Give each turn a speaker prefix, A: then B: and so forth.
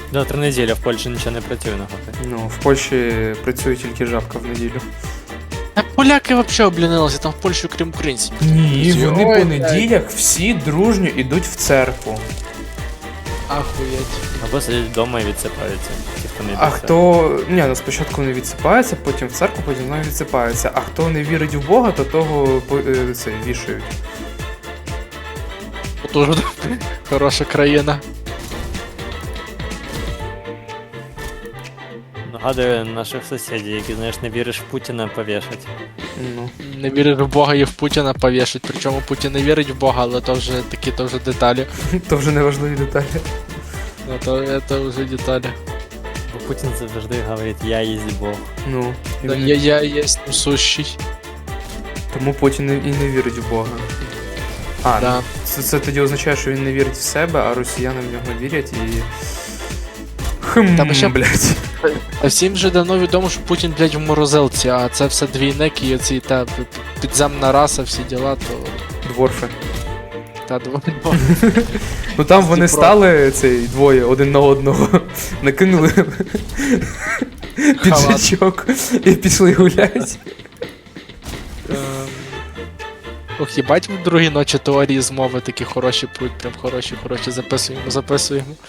A: Завтра неділя, в Польщі нічого не працює на готи.
B: Ну, в Польщі працює тільки жабка в неділю.
C: А поляки взагалі облінилися там в Польщі, крім українців.
B: Ні, вони
C: Ой,
B: по неділях всі дружньо йдуть в церкву.
C: Ахуєть.
A: Або сидять вдома і відсипаються. Ті, хто не
B: А
A: йде в
B: хто. Ні, ну спочатку не відсипається, потім в церкву, потім знову відсипається. А хто не вірить в Бога, то того це вішають.
C: Тоже хороша країна.
A: Нагадую наших сусідів, які, знаєш, не віриш в Путіна, повішать.
B: Ну.
C: Не вірить в Бога і в Путіна повішать. Причому Путін не вірить в Бога, але то вже такі то вже деталі.
B: То вже не важливі деталі.
C: Это вже деталі.
A: Бо Путін завжди говорить, я єсть Бог.
B: Ну. І
C: Да,
B: вони-
C: я єсть сущий.
B: Тому Путін і не вірить в Бога. А,
C: Да.
B: ну, це тоді означає, що він не вірить в себе, а росіяни в нього вірять і.
C: Та ще-
B: Блядь.
C: А всім вже давно відомо, що Путін, блядь, в морозилці, а це все двійник і оці та підземна раса, всі діла, то
B: Дворфи.
C: та
B: Ну там вони
C: Дніпро.
B: стали цей двоє один на одного, накинули піджачок і пішли гулять.
C: Ох, їбать в другій ночі теорії змови такі хороші пруть, прям хороші, записуємо.